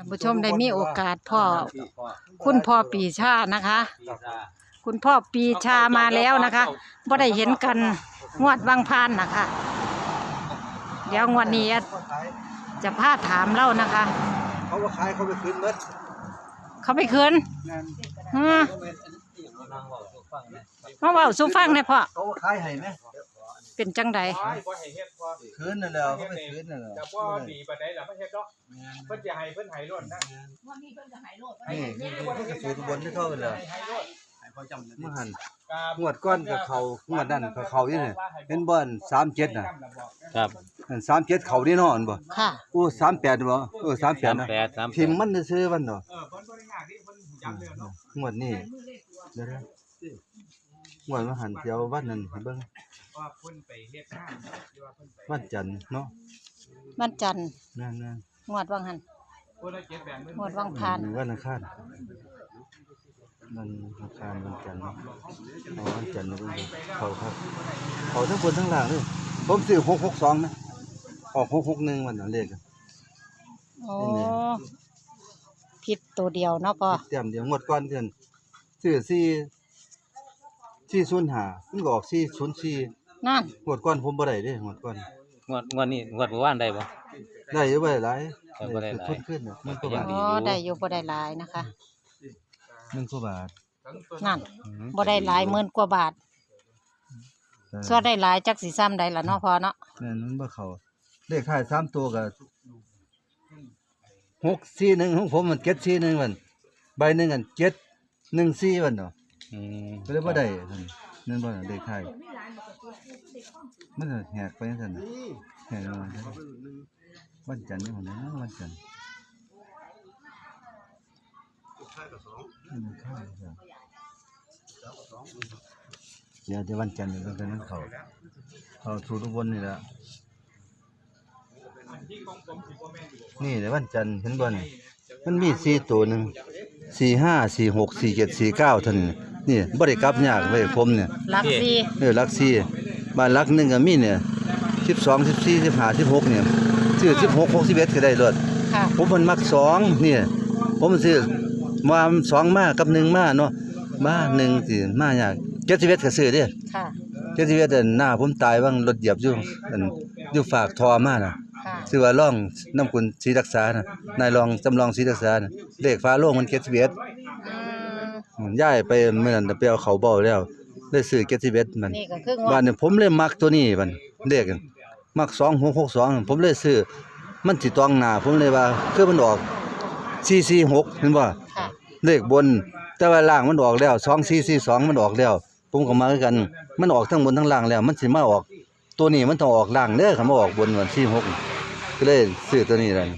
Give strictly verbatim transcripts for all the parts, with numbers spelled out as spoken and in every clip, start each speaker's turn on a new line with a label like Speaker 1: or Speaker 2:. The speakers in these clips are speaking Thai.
Speaker 1: านผู้ชมได้มีโอกาสพ่อคุณพ่อปีชานะคะ คุณพ่อปีชามาแล้วนะคะบ่ได้เห็นกันงวดบางพานนะคะเดี๋ยวงวดนี้จะพาถามเล่านะคะ
Speaker 2: เขาว่าขายเขาไปคืนเบิด
Speaker 1: เขาไปคืนอืมมาเว้าสู่ฟังได้พ่อ
Speaker 2: เขาว่าขายให้ไหม
Speaker 1: เป็นจังใด
Speaker 2: คืนนั่นแหละเขาไปคืนนั่นแหละ
Speaker 3: แต่ว่าดีปานใดล่ะบ่เฮ็ดดอกเพิ่นจะให้เพิ่นให้รถนะ
Speaker 2: วันนี้เพิ่นจะให้รถนี่นี่ก็สูตรบนที่เขาเลยเมื่อหันงวดก้อนกับเขางวดนั่นกับเขาอยู่นี่เห็นบ่อนสามเจ็ดน่ะ
Speaker 4: ครับ
Speaker 2: สามเจ็ดเขานี่นอนบ่
Speaker 1: ค่ะ
Speaker 2: โอ้สามแปดบ่เออสามแปดนะพิมพ์มันซื้อมันเนาะ
Speaker 3: เออเพิ่นบ่ได้ยากที่เพิ่นจำแล้วเนาะ
Speaker 2: งวดนี้เดี๋ยวงวดมาหันเที่ยววันนั้นให้เบิ่ง
Speaker 3: ว่าเพิ่นไปเฮ็ดงานหรือว่าเพิ่นไป
Speaker 2: วันจันทร์เนาะ
Speaker 1: วันจันทร์
Speaker 2: นั่น
Speaker 1: ๆงวดวังหันงวดวังพาน
Speaker 2: วันอังคารมันอังคารวันจันทร์เอาวันจันทร์มาดูเขาครับเขาทั้งบนทั้งล่างเลยผมซื้อหกหกสองนะออกหกหกหนึ่งวันนั้นเลข
Speaker 1: โอ้ผิดตัวเดียวเนาะพ่อ
Speaker 2: เตรียมเดียวงวดก้อนเดือนซื้อสี่สี่ศูนย์ห้ามันก็ออกสี่ศูนย์สี่
Speaker 1: นั่น
Speaker 2: งวดก้อนผมบ่ได้เด้งวดก้อน
Speaker 4: งวดงวดนี้งวดเมื่อวานได้บ่
Speaker 2: ได้อยู่บ่ได้หลาย
Speaker 4: บ่ได้หลาย
Speaker 2: ขึ้นมันก็บาท
Speaker 1: อ๋อได้อยู่บ่ได้หลายนะคะ
Speaker 2: หนึ่งกว่าบาท
Speaker 1: นั่นบ่ได้หลายหมื่นกว่าบาทส่วนได้หลายจักสิซ้ำใดล่ะเนาะพอเนาะ
Speaker 2: นั่นมันบ่เข้าเลขท้ายสามตัวก็หกสี่หนึ่งของผมมันเจ็ดสี่หนึ่งมันใบหนึ่งกันเจ็ดหนึ่งสี่มันเนาะ
Speaker 4: อืม
Speaker 2: ก็เลยบ่ได้นั่นบ่เลขท้ายมันแหกไปจังซั่นแหกมาวันจันทร์นี่มันนะวันจันทร์เดี๋ยวจะวันจันทร์เราจะนั่งเขาเขาถูทุกวันนี่แหละนี่เดี๋ยววันจันทร์เห็นบ่นี่มันมีสี่ตัวหนึ่งสี่ห้าสี่หกสี่เจ็ดสี่เก้าท่านนี่บริกรรมยากไว้ผมเนี่ย
Speaker 1: ลักสี่
Speaker 2: เออลักสี่บ้านลักหนึ่งก็มีเนี่ยสิบสองสิบสี่สิบห้าสิบหกเนี่ยซื้อสิบหกหกสิบเอ็ดก็ได้เลยผมมันมักสองเนี่ยผมซื้อมาสองมากับหนึ่งมาเนาะมาหนึ่งสิมายากเจ็ดสิบเอ็ดก็ซื้อเด้
Speaker 1: ค่ะ
Speaker 2: เจ็ดสิบเอ็ดหน้าผมตายบ้างรถเหยียบอยู่อยู่ฝากทอมาน่ะชื่อว่าร่องน้ำคุณศรีรักษาน่ะนายรองจำลองศรีรักษาน่ะเลขฟ้าโล่งมันเจ็ดสิบเอ็ดย้ายไปเมื่อนั้นไปเอาเขาเบาแล้วได้ซื้อเจ็ดสิบเอ็ดมันบ้านเนี่ยผมเลยมักตัวนี้มันเลขมักสองหกหกสองผมเลยซื้อมันสิตองหน้าผมเลยว่าคือมันออกสี่สี่หกเห็นบ่เลขบนแต่ว่าล่างมันออกแล้วสองสี่สี่สองมันออกแล้วผมก็มาคือกันมันออกทั้งบนทั้งล่างแล้วมันสิมาออกตัวนี้มันต้องออกล่างเด้อคันบ่ออกบนวันสี่หกก็เลยซื้อตัวนี้ล่ะ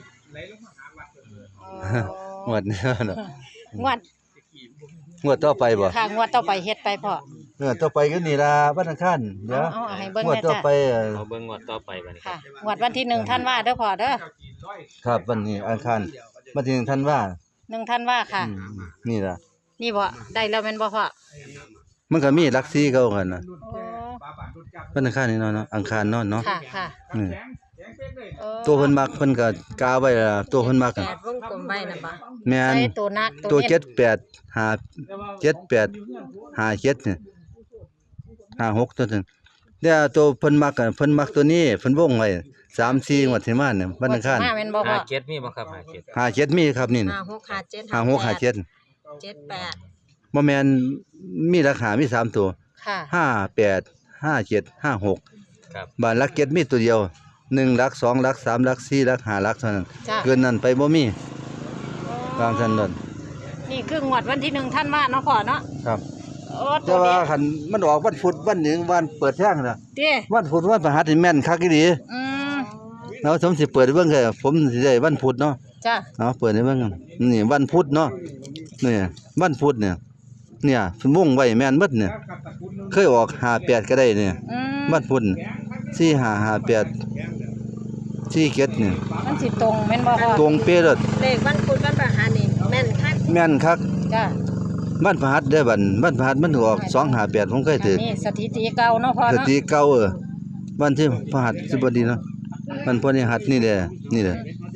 Speaker 2: งวดนี้เนาะ
Speaker 1: งวด
Speaker 2: งวดต่อไปบ่
Speaker 1: ค่ะงวดต่อไปเฮ็ดไปพ่อ
Speaker 2: เออต่อไปก็นี่ล่ะวันอังคารเดี๋ยวงวดต่อไป
Speaker 4: เอาเบิ่งงวดต่อไปบัดนี้
Speaker 1: ค่ะงวดวันที่หนึ่งธันวาเด้อพ่อเด้อ
Speaker 2: ครับวันนี้อังคารวันที่หนึ่งธันวา
Speaker 1: หนึ่งธันวาค่ะ
Speaker 2: นี่ล่ะ
Speaker 1: นี่บ่ได้แล้วแม่นบ่พ่อ
Speaker 2: มันก็มีลักซี่เก่ากันน่ะวันอังคารนี่เนาะอังคารเนาะเนาะ
Speaker 1: ค่ะค่ะ
Speaker 2: อือตัวเพิ่นมักเพิ่นก็กาไว้ล่ะตัวเพิ่นมักกัน
Speaker 1: วงกลมไว้น่ะบ่
Speaker 2: แม่น
Speaker 1: ตัวนัก
Speaker 2: ตัวเจ็ดแปดห้า เจ็ดแปด ห้า เจ็ดนี่ห้า หกตัวนึงแล้วตัวเพิ่นมักกันเพิ่นมักตัวนี้เพิ่นวงไว้สาม สี่งวดที่มาเนี่ยวันอังคาร
Speaker 1: ห้าแม่นบ่พ่อ
Speaker 4: ห้าเจ็ดมีบ่ครับห้าเจ็ด
Speaker 2: ห้า เจ็ดมีครับนี่
Speaker 1: ห้า หก ห้า เจ็ด
Speaker 2: ห้า หก ห้า เจ็ด
Speaker 1: เจ็ด แปด
Speaker 2: บ่แม่นมีราคามีสามตัว
Speaker 1: ค่ะ
Speaker 2: ห้า แปด ห้า เจ็ด ห้า หก
Speaker 4: ครับ
Speaker 2: บ้านหลักเจ็ดมีตัวเดียวหนึ่งหลักสองหลักสามหลักสี่หลักห้าหลักเท่านั้นเกินนั้นไปบ่มีตามซั่นนั่น
Speaker 1: นี่คืองวดวันที่หนึ่งธันวาเนาะพ่อเนาะ
Speaker 2: ครับแต่ว่าคันมันออกวันพุธวันหนึ่งวันเปิดแท่งน่ะ
Speaker 1: ติ
Speaker 2: วันพุธวันพฤหัสนี่แม่นคักอีหลี
Speaker 1: อืม
Speaker 2: แล้วผมสิเปิดให้เบิ่งแค่ผมสิได้วันพุธเนาะ
Speaker 1: จ้ะ
Speaker 2: เนาะเปิดให้เบิ่งนี่วันพุธเนาะนี่วันพุธเนี่ยเนี่ยเพิ่นวงไว้แม่นหมดเนี่ยเคยออกห้า แปดก็ได้เนี่ยวันพุธสี่ ห้า ห้า แปด สี่ เจ็ดนี่
Speaker 1: มันสิตรงแม่นบ่พ่อ
Speaker 2: ตรงเป๊ะเลย
Speaker 1: เลขวันพุธวันพฤหัสนี่แม่นคัก
Speaker 2: แม่นคัก
Speaker 1: จ้ะ
Speaker 2: วันพฤหัสเด้อบัดวันพฤหัสมันออกสอง ห้า แปดผมเคยถือ
Speaker 1: นี่สถิติเก่าเนาะพ่อ
Speaker 2: เนาะสถิติเก่าเออวันที่พฤหัสบดีเนาะวันพฤหัสนี่แหละนี่แหละ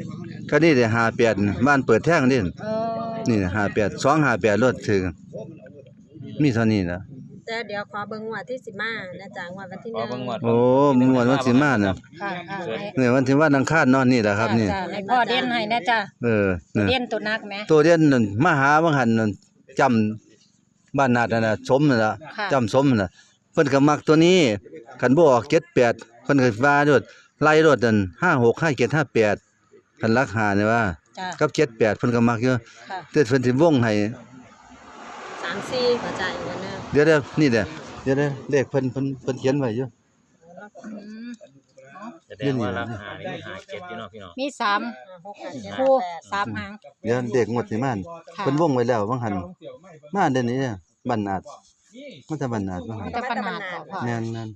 Speaker 2: คันนี้ได้ห้าแปดบ้านเปิดแท่งนี่
Speaker 1: เออ
Speaker 2: นี่ห้าแปด สองห้าแปดรถถึงมีเท่านี้ล่ะ
Speaker 5: แต่เดี๋ยวขอเบิ่งงวดที่สิมานะจ๊ะงวดวันที่ห
Speaker 4: ขอ
Speaker 5: นึ่ง
Speaker 4: เบิ่งงวด
Speaker 2: โอ้มวนวันสิมาน่ะ
Speaker 1: ค่ะค่ะให้
Speaker 2: เนี่ยวันที่วันอังคารนอนนี่แหละครับนี่
Speaker 1: จ้ะให้พ่อเด่นให้นะจ้ะ
Speaker 2: เออเนี่ย
Speaker 1: เด่นตัวนักไหม
Speaker 2: ตัวเด่นนั่นมาหาบางหันนั่นจำบ้านนาดนั่นน่ะสมนั่นล่ะ
Speaker 1: ค่ะ
Speaker 2: จำสมนั่นน่ะเพิ่นก็มักตัวนี้คันบ่ออกเจ็ดแปดเพิ่นก็ว่าโดดไล่รถนั่นห้าหก ห้าเจ็ด ห้าแปดคันรักหาเนี่ยว่า
Speaker 1: จ้ะ
Speaker 2: กับเจ็ดแปดเพิ่นก็มักอยู่
Speaker 1: ค่ะ
Speaker 2: แต่เพิ่นสิวงให้
Speaker 5: สามสี่ขอจ่ายอีกวันหนึง
Speaker 2: เดี๋ยวเดี๋ยวนี่เด้อเดี๋ยวเด้อเลขเพิ่นเพิ่นเพิ่นเขียนไว้อยู่
Speaker 1: อืม
Speaker 4: แสดงว่าราคานี่หาเจ็ดอยู่เนาะพี่น้อง
Speaker 1: มีสาม
Speaker 5: ห้าหกห้าเจ็ด
Speaker 1: คู่
Speaker 5: ห้าแปด
Speaker 1: สามหาง
Speaker 2: เดี๋ยวเด็กงวดสิมา
Speaker 1: ค่ะ
Speaker 2: เพิ่นวงไว้แล้วบางหันมาเดี๋ยวนี้เนี่ยบ้านนาดมันจะบ้านนาดบางหัน
Speaker 1: จะปัญหาต่อพ่อ
Speaker 2: แม่นนั่น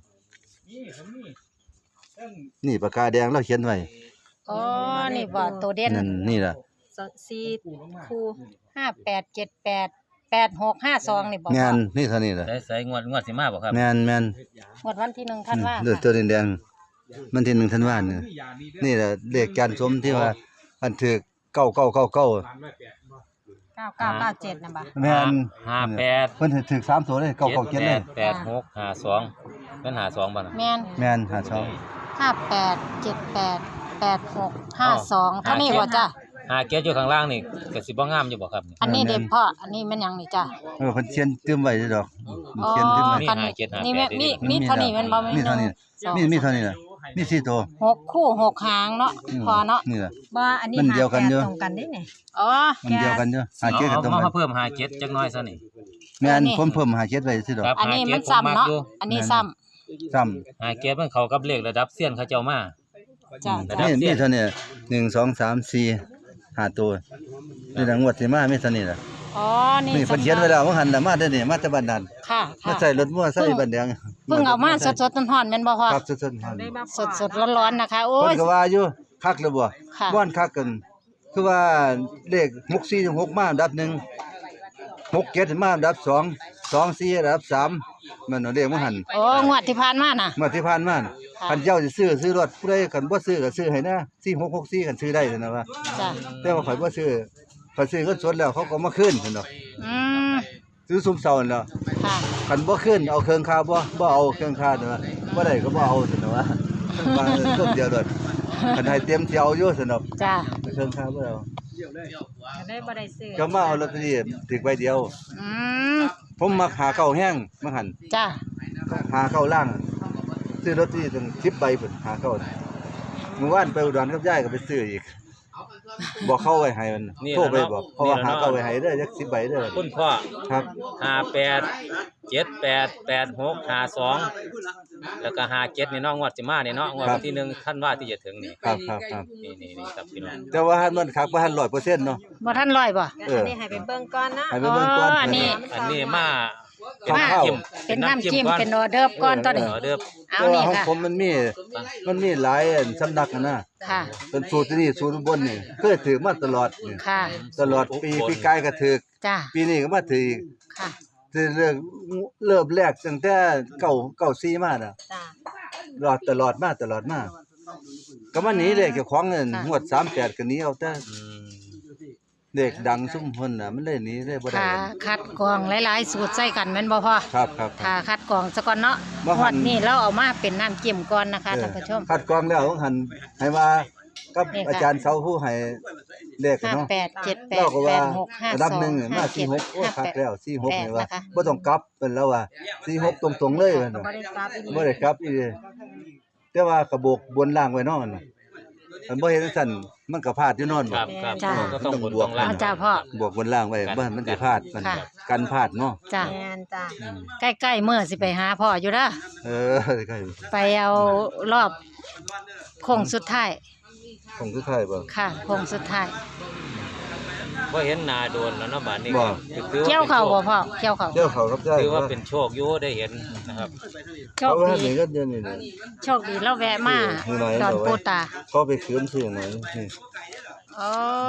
Speaker 2: นี่ปากกาแดงเราเขียนไว้
Speaker 1: อ๋อนี่บ่ตัวเด่น
Speaker 2: นั่นนี่ล่ะ
Speaker 5: สองสี่คู่
Speaker 1: ห้าแปดเจ็ดแปดแปดหกห้าสองนี่บ่
Speaker 2: แม่
Speaker 1: พ่อน
Speaker 2: นี่เท่านี้ล่ะ
Speaker 4: ได้ใส่งวดงวดสิมาบ่ครับ
Speaker 2: แม่นแม่น
Speaker 1: งวดวันที่หนึ่งธันวา
Speaker 2: เลือดตัวแดงๆมันที่หนึ่งธันวาคมนี่นี่แหละเลขการสมที่ว่าอันถือเก้าเก้าเก้าเก้า
Speaker 1: เก้าเก้าเก้าเจ็ดนะบ่
Speaker 2: แม่น
Speaker 4: ห้าแปด
Speaker 2: เพิ่นถือสามตัวเลยเก้าเก้าเจ็ดเลย
Speaker 4: แปดหกห้าสองเป็นหาสองบ่น่ะ
Speaker 1: แม่น
Speaker 2: แม่นหาช่อง
Speaker 1: ห้าแปดเจ็ดแปดแปดหกห้าสองเท่านี้บ่จ้ะ
Speaker 4: หาเจ็ดอยู่ข้างล่างนี่ก็สิบ่งามอยู่บ่ครับนี่
Speaker 1: อันนี้เด็พ่ออันนี้มันหยังนี่จ้ะ
Speaker 2: เออเพิ่นเขียนเติมไว้อยู่ดอก
Speaker 1: อ๋อ
Speaker 2: เขียนเติมไว้
Speaker 4: มี
Speaker 1: คัน
Speaker 4: หาเจ็ดหาแปด
Speaker 1: นี่แม่
Speaker 4: นี่
Speaker 1: มีมีเท่านี้แมันบ่
Speaker 2: มีเท่านี้
Speaker 1: สอง
Speaker 2: มีมีเท่านี้ล่ะมีสี่ตัว
Speaker 1: หกคู่หกหางเนาะพอเนาะ
Speaker 2: นี่ล่ะ
Speaker 5: บ่อันนี้
Speaker 2: มันเดียวกันอยู่
Speaker 5: ตรงกันได้เนี่ย
Speaker 1: อ๋อ
Speaker 2: มันเดียวกันอยู่หา
Speaker 4: เอา
Speaker 2: เจ็ดกับ
Speaker 4: เอา
Speaker 2: ตรง
Speaker 4: มา
Speaker 2: กัน
Speaker 4: เพิ่มหาเจ็ดจักหน่อยซะนี่
Speaker 2: แม่น
Speaker 1: อันนี้
Speaker 2: ผมเพิ่มหาเจ็ดไว้ซื่อดอก
Speaker 4: ครับ
Speaker 1: อันนี้มันซ้ำเนาะอันนี้ซ้ำ
Speaker 2: ซ้ำ
Speaker 4: หาเจ็ดมันเข้ากับเลขระดับเซียนเขาเจ้ามา
Speaker 1: จ้ะ
Speaker 4: ระ
Speaker 1: จ้ะ
Speaker 4: ดับ
Speaker 2: นี่มีเท่านี้หนึ่ง สอง สาม สี่ ห้าตัวนี่ล่ะงวดสิมามีเท่านี้ล่ะ
Speaker 1: อ๋อนี่
Speaker 2: นี่เพิ่นเขียนไว้แล้วว่าหันน่ะมาเด้อนี่มาแต่บ้านนั้น
Speaker 1: ค่ะ
Speaker 2: มา
Speaker 1: ค่ะ
Speaker 2: ใส่รถมั่วใส่บ้านแดง
Speaker 1: เพิ่งเอามาสดๆร้อนๆแม่นบ่พ่อ
Speaker 2: ครับสดๆครับ
Speaker 5: ได้มา
Speaker 1: สดๆร้อนๆนะคะโอ้
Speaker 2: เพิ่
Speaker 1: ย
Speaker 2: นก็ว่าอยู่คักแล้วบ่
Speaker 1: ค่ะ
Speaker 2: บ่อนคักกัน คือว่าเลขหกสี่ถึงหกมาอันดับหนึ่งหกเจ็ดมาอันดับสองสองสี่อันดับสามมันเอาเลขมาหัน
Speaker 1: โอ้งวดที่ผ่านมาน่ะ
Speaker 2: เมื่อที่ผ่านมาน่ะ
Speaker 1: ค่ะ
Speaker 2: คันเจ้าสิซื้อซื้อรถผู้ใดคันบ่ซื้อก็ซื้อให้นะสี่หกหกสี่คันซื้อได้ซั่นนะว่า
Speaker 1: จ้ะ
Speaker 2: แต่ว่าข่อยบ่ซื้อข่อยซื้อเงินสดแล้วเขาก็มาคืนซั่นดอก
Speaker 1: อืม
Speaker 2: ซื้อซุมเซานั่นแหล้ว
Speaker 1: ค่ะ
Speaker 2: คันบ่คืนเอาเครื่องค่าบ่บ่เอาเครื่องค่าเด้อบ่ได้ก็บ่เอาซั่นนะว่าว่าซุมเดียวโดดคันให้เต็มที่เอาอยู่ซั่นดอก
Speaker 1: จ้ะ
Speaker 2: เครื่องค่าบ่เอา
Speaker 5: ได้บ่ได้ซื้อ
Speaker 2: ก็มาเอาลอตเตอรี่ถึกใบเดียว
Speaker 1: อืม
Speaker 2: ผมมักหาเก้าแห้งมาหั่น
Speaker 1: จ้ะ
Speaker 2: หาเก้าล่างซื้อลอตเตอรี่ถึงสิบใบพุ่นหาเก้าเมื่อวานไปอุดรกับยายก็ไปซื้ออีกบอกเข้าไว้ให้มันโทรไปบอกเพราะว่าหาเก้าไว้ให้เด้อจักสิบใบเด้อ
Speaker 4: คุณพ่อ
Speaker 2: ครับ
Speaker 4: ห้าแปดเจ็ดแปดแปดหกห้าสองแล้วก็ห้าเจ็ดนี่เนาะงวดสิมานี่เนาะงวดวันที่หนึ่งท่านว่าที่จะถึงนี่
Speaker 2: ครับครับครับ
Speaker 4: นี่นี่นี่ครับพี่น้อง
Speaker 2: แต่ว่าหันมันคักบ่หันร้อยเปอร์เซ็นต์ เนาะ
Speaker 1: บ่ทันร้อยบ่
Speaker 2: เออ
Speaker 5: อันนี้ให้ไปเบิ่งก่อนนะ
Speaker 2: ให้ไปเบิ่งก่อน
Speaker 1: อ๋ออันนี้
Speaker 4: อันนี้มาเป็น
Speaker 2: มา
Speaker 4: น้ำจิ้ม
Speaker 1: เป็นน้ำจิ้ม
Speaker 4: ก่อ
Speaker 1: เป็นออเดิร์ฟก่อนตอนนี้
Speaker 4: เออเด้อ
Speaker 1: เอา
Speaker 2: แต่ว่า
Speaker 1: นี่
Speaker 2: ของ
Speaker 1: ค่ะ
Speaker 2: ผมมันมีมันมีหลายอันสำนักนะ
Speaker 1: ค่ะ
Speaker 2: เป็นสูตรที่นี่สูตรอุบนนี่เคยถือมาตลอดนี่
Speaker 1: ค่ะ
Speaker 2: ตลอดปีปีกายก็ถือ
Speaker 1: จ้ะ
Speaker 2: ปีนี้ก็มาถืออีก
Speaker 1: ค่ะ
Speaker 2: คือเรื่องเริ่มแรกตั้งแต่เก้าเก้าสี่มาน่ะ
Speaker 5: จ้ะ
Speaker 2: รอดตลอดมาตลอดมาก็มาหนีเลยเจ้าของเงิน
Speaker 1: ค่ะ
Speaker 2: งวดสามแปดก็หนีเอาแต่
Speaker 4: อืม
Speaker 2: เด็กดังซุ่มเพิ่นน่ะมันเลยหนีเลยบ่ได้
Speaker 1: ค่ะคัดกรองหลายๆสูตรใส่กันแม่นบ่พ่อ
Speaker 2: ครับครับค
Speaker 1: ค่ะ
Speaker 2: รับ
Speaker 1: คัดกรองซะก่อนเนาะ
Speaker 2: บ่
Speaker 1: ง
Speaker 2: หั่
Speaker 1: วด
Speaker 2: น
Speaker 1: นี้เราเอามาเป็นน้ำจิ้มก่อนนะคะ
Speaker 2: เออ
Speaker 1: ท่านผู้ชม
Speaker 2: คัดกรองแล้วต้องหันให้มากับ
Speaker 1: นี่ค่ะ
Speaker 2: อาจารย์เสาผู้ให้เลข
Speaker 1: ห้า
Speaker 2: เนาะ
Speaker 1: แปดเจ็ดแป
Speaker 2: เรา
Speaker 1: ด
Speaker 2: ก็
Speaker 1: แป
Speaker 2: ว่า
Speaker 1: ดหกห้า
Speaker 2: ระ
Speaker 1: ส
Speaker 2: ดับ
Speaker 1: อง
Speaker 2: หนึ่งมา
Speaker 1: ห้า
Speaker 2: สี่
Speaker 1: เจ็ด
Speaker 2: หกโอ้
Speaker 1: ห้า
Speaker 2: คัก
Speaker 1: แปด
Speaker 2: แล้วสี่หก
Speaker 1: แปด
Speaker 2: นี่ว่า
Speaker 1: นะคะ
Speaker 2: บ่ต้องกลับเพิ่นแล้วว่าสี่หกตรงๆเลยเพิ่น
Speaker 5: บ่
Speaker 2: น่ะ
Speaker 5: ได้กลับอีก
Speaker 2: บ่ได้กลับอีกแต่ว่ากระโบกบนล่างไว้เนาะน่ะอันบ่เฮ็ดจังซั่นมันก็พลาดอยู่เนอน
Speaker 4: ค
Speaker 2: บ่
Speaker 4: รับครับ
Speaker 1: จ้ะ
Speaker 4: ก็ต้องบนต้องล่าง
Speaker 1: เอาจ้าพ่อบ
Speaker 2: วกบนล่างไว้บ่ให้มันสิพลาดมัน
Speaker 1: ค่ะ
Speaker 2: กันพลาดเนาะ
Speaker 1: จ้า
Speaker 5: แม่นจ้ะ
Speaker 2: อืม
Speaker 1: ใกล้ๆเมื่อสิไปหาพ่ออยู่เด้อ
Speaker 2: เออใกล้
Speaker 1: ไปเอารอบโค้งสุดท้าย
Speaker 2: ของสุดท้ายบ่
Speaker 1: ค่ะโค้งสุดท้าย
Speaker 4: ว่าเห็นหนาโดนแล้วเนาะบาดนี้
Speaker 2: บ่
Speaker 4: ถือว่า
Speaker 1: เกี่ยวเข่าบ่พ่อเกี่ยวเข่า
Speaker 2: เดี๋ยวเขารับได้
Speaker 4: ถือว่าเป็นโชคอยู่ได้เห็นนะครับ
Speaker 1: โช
Speaker 2: เขา
Speaker 1: ค
Speaker 2: ว่า
Speaker 1: ดี
Speaker 2: นี่ก็เดี๋ยวนี้นะ
Speaker 1: โชคดีแล้วแวะมา
Speaker 2: อยู่ไหน
Speaker 1: ดอน
Speaker 2: บอกไว้
Speaker 1: ปูตา
Speaker 2: เขาไปคืนซื้อไหนนี่
Speaker 1: อ๋อ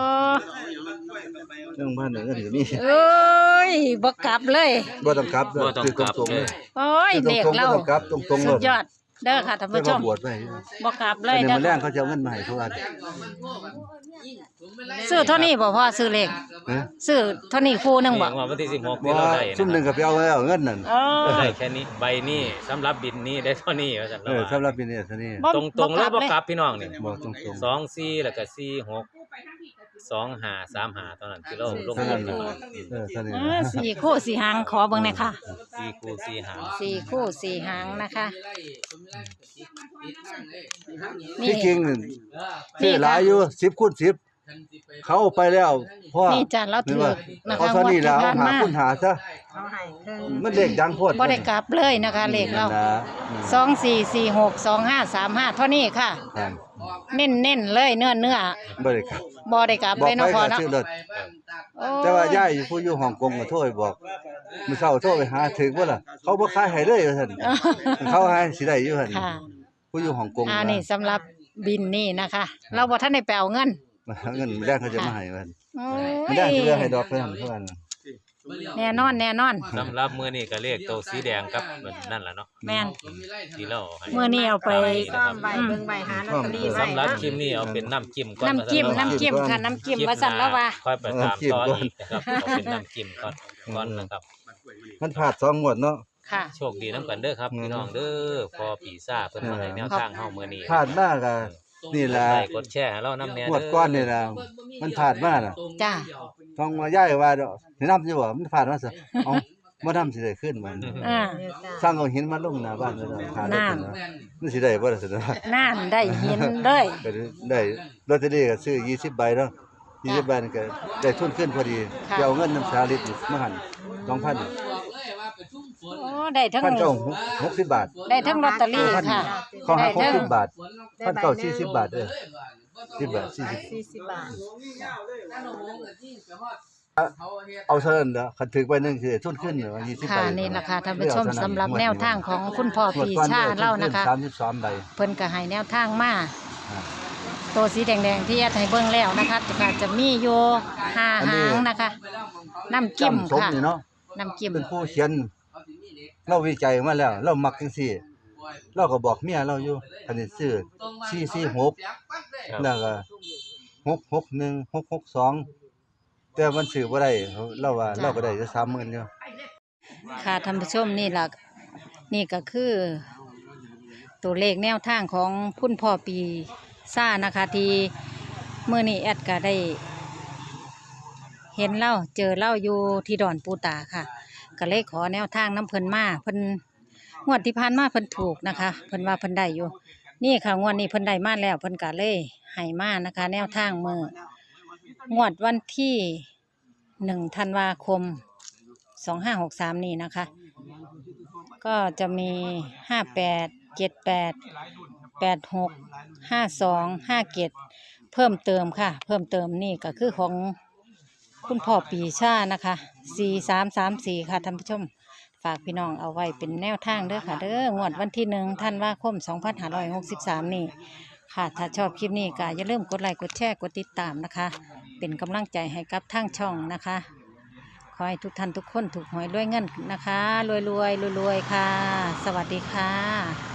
Speaker 2: เรื่องบ้านไหนก็ถือนี่
Speaker 1: เอ้ยบ่กลับเลย
Speaker 2: บ่ต้องกลับ
Speaker 4: บ่ต้องกลับ
Speaker 2: ตรงๆ
Speaker 4: เล
Speaker 2: เลย ย
Speaker 1: โอ้ย
Speaker 2: ตร
Speaker 1: เด็ก
Speaker 2: งๆ
Speaker 1: เรา
Speaker 2: บ่ต้องกลับตรงๆ
Speaker 1: สุ
Speaker 2: เล
Speaker 1: ด
Speaker 2: ย
Speaker 1: ยอดเด้อค่ะท่าน
Speaker 2: แต่
Speaker 1: ผู้ช
Speaker 2: ว่าม บวชไว้
Speaker 1: บ่กลับเล
Speaker 2: อั
Speaker 1: ย
Speaker 2: นนี้
Speaker 1: เด้อ
Speaker 2: มันแรงเขาจะเอาเงินมาให้ทุกอัน
Speaker 1: ซื้อเท่านี้บ่พ่อซื้อเลข
Speaker 2: ฮะ
Speaker 1: ซื้อเท่านี้คู่หนึงบ่
Speaker 4: ว่าวันที่สิบหก
Speaker 2: บ่
Speaker 4: ที่เราได้
Speaker 2: ซุ่มหนึงก็ไปเอาแล้วเงินนั่น
Speaker 1: เออ
Speaker 4: ได้แค่นี้ใบนี้สำหรับบินนี้ได้เท่านี้ว่าซั่น
Speaker 2: เออสำหรับปีนี้เท่านี้
Speaker 1: บ่
Speaker 4: ตรงตรงๆแล้วบ่
Speaker 1: เลย
Speaker 4: กลับพี่น้องนี่
Speaker 2: บอกตรง
Speaker 4: สองสี่แล้วก็สี่หกสองห้าสามห้าเท่านั้นที่เราลง
Speaker 2: ๆเท่า
Speaker 4: ทุ
Speaker 2: นั้น
Speaker 4: น
Speaker 2: น่ะเออเท่านี้
Speaker 1: เออสี่คู่สี่หางขอเบิ่งหน่อยค่ะ
Speaker 4: สี่คูณสี่หาง
Speaker 1: สี่คู่สี่หางนะคะ
Speaker 2: ที่จริงนี่ซื้อหลายอยู่สิบคูณสิบเขาเอาไปแล้วพ่อ
Speaker 1: นี่จ้ะเราถือนะ
Speaker 2: เอา
Speaker 1: คะ
Speaker 2: เท่านี้แล้ว
Speaker 1: งวดที่
Speaker 2: หา
Speaker 1: ผ่านมา
Speaker 2: คูณหาซะ
Speaker 5: เอาให้เพิ่น
Speaker 2: มันเลขดังโพด
Speaker 1: บ่ได้กลับเลยนะคะเลขเรา
Speaker 2: นั่นนะอืม
Speaker 1: สองสี่สี่หกสองห้าสามห้าเท่านี้ค่ะ
Speaker 2: ครับ
Speaker 1: เน้นเน้นๆเลยเนื้อเนื้อ
Speaker 2: บ่ได้ครับ
Speaker 1: บ่ได้กลับ
Speaker 2: บอก
Speaker 1: เลย
Speaker 2: ไป
Speaker 1: เนาะพ่อ
Speaker 2: ก็
Speaker 1: เนาะ
Speaker 2: ซื้อรถ
Speaker 1: โอ้
Speaker 2: แต่ว่าย่ายผู้อยู่ฮ่องกงก็โทรไปบอกมื้อเช้าโทรไปหาถึกบ่ล่ะเขาบ่ขายให้เลยว่าซั่นเขาให้สิได้อยู่หั่น
Speaker 1: ค่ะ
Speaker 2: ผู้อยู่ฮ่องกง
Speaker 1: อ่านี่สำหรับบินนี่นะคะ เราบ่ทันได้ไปเอาเงิน
Speaker 2: เงินไม่ได้เขาจะมาให้ว่าซั่น
Speaker 1: โอ้
Speaker 2: ไม่
Speaker 1: ย
Speaker 2: ได้สิเหลือให้ดอกเพิ่นเพิ่น
Speaker 1: แน่นอนแน่นอน
Speaker 4: สำหรับมื้อนี้ก็เลขตัวสีแดงกับนั่นล่ะเนาะ
Speaker 1: แม่น
Speaker 4: ที่เราให้
Speaker 1: มื้อนี้เอาไป
Speaker 5: ซ่อมใบเบิ่งใบหาลอตเตอรี่ไว้
Speaker 4: สำหรับ
Speaker 5: เนาะ
Speaker 4: คลิปนี้เอาเป็นน้ำจิ้มก่อน
Speaker 1: น้ำจิ้มน้ำจิ้มค่ะน้ำจิ้มว่าสั่นแล้วว่า
Speaker 4: ค่อยไปตามต่ออีกนะครับเอาเป็นน้ำจิ้มก่อนก่อนนะครับ
Speaker 2: มันพลาดสองงวดเนาะ
Speaker 1: ค่ะ
Speaker 4: โชคดีน้ำกันเด้อครับพี่น้องเด้อพอปีซ่าเพิ่นมาให้แนวทางเฮามื้อนี้
Speaker 2: พลาดมากอ่ะนี่ล่ะ
Speaker 4: ไลค์กดแชร์ให้เรานำแน่
Speaker 2: ง
Speaker 4: เด้
Speaker 2: วดก้อนนี่ล่ะมันพลาดมากน่ะ
Speaker 1: จ้า
Speaker 2: ต้องมาย้ายว่าดอกสินำอยู่บ่มันพลาดมาซะเอ้าบ่นำสิได้ขึ้นมัน
Speaker 1: อ่า
Speaker 2: สร้างเอาหินมาลงหน้าบ้านแล้วหาได้เพิ่นว่ามันสิได้บ่ล่ะสิเนาะ
Speaker 1: นั่นได้เห็นเลย
Speaker 2: ก็ได้ลอตเตอรี่ก็ซื้อยี่สิบใบเนาะยี่สิบใบนี่ก็ได้ทุนขึ้นพอดีไปเอาเงินน้ำสาลิตรมาหั่นสองพัน
Speaker 1: โอ้ได้ทั้ง
Speaker 2: พันเก้าหกสิบบาท
Speaker 1: ได้ทั้งลอตเตอรี่ค่ะ
Speaker 2: เขาหักห
Speaker 1: ได้
Speaker 2: ก
Speaker 1: ทั้
Speaker 2: สิ
Speaker 1: ง
Speaker 2: บบาทพันเก้าสี่สิบบาทเด้อสิบบาทสี่สิบ
Speaker 5: สี่สิบบาท
Speaker 2: เอาเท่านั้นเด้อคันถึกไปนึงคือทุนขึ้นเหรอยี่สิบใบ
Speaker 1: ค่ะนี่นะคะท่านผู้ชมสำหรับแนวทางของคุณพ่อปีชาเล่านะคะ
Speaker 2: สามสิบสามใบ
Speaker 1: เพิ่นก็ให้แนวทางมา
Speaker 2: อ่า
Speaker 1: ตัวสีแดงๆที่แอดให้เบิ่งแล้วนะคะก็จะมีอยู่ห้า
Speaker 2: อันนี้
Speaker 1: หางนะคะ น้ำจิ้ม
Speaker 2: จำสม
Speaker 1: ค่ะ
Speaker 2: นี่เนาะ
Speaker 1: น้ำจิ้ม
Speaker 2: เป็นผู้เขียนเราวิจัยมาแล้ว เรามักจังซี่ เราก็บอกเมียเราอยู่อันนี้ซื้อสี่สี่หกแล้วก็หกหกหนึ่งหกหกสองแต่มันซื้อบ่ได้เราว่าเราก็ได้จะสามหมื่นอยู่
Speaker 1: ค่ะท่านผู้ชมนี่ล่ะนี่ก็คือ ตัวเลขแนวทางของคุณพ่อปีซ่านะคะ ที่เมื่อนี้แอดก็ได้ เห็นเล่าเจอเล่าอยู่ที่ดอนปูตาค่ะก็เลยขอแนวทางน้ำเพิ่นมาเพิ่นงวดที่ผ่านมาเพิ่นถูกนะคะเพิ่นว่าเพิ่นได้อยู่ นี่ค่ะงวดนี้เพิ่นได้มาแล้วเพิ่นก็เลยให้มานะคะ แนวทางมืองวดวันที่หนึ่งธันวาคมสองห้าหกสามนี่นะคะ ก็จะมีห้าแปดเจ็ดแปดแปดหกห้าสองห้าเจ็ดเพิ่มเติมค่ะ เพิ่มเติมนี่ก็คือของคุณพ่อปีชานะคะสี่สามสามสี่ค่ะท่านผู้ชม ฝากพี่น้องเอาไว้เป็นแนวทางเด้อค่ะเด้องวดวันที่หนึ่งธันวาคมสองพันห้าร้อยหกสิบสามนี่ค่ะถ้าชอบคลิปนี้ก็อย่าลืมกดไลค์กดแชร์กดติดตามนะคะ เป็นกำลังใจให้กับทางช่องนะคะ ขอให้ทุกท่านทุกคนถูกหวยด้วยเงินนะคะ รวยรวยรวยรวยๆค่ะ สวัสดีค่ะ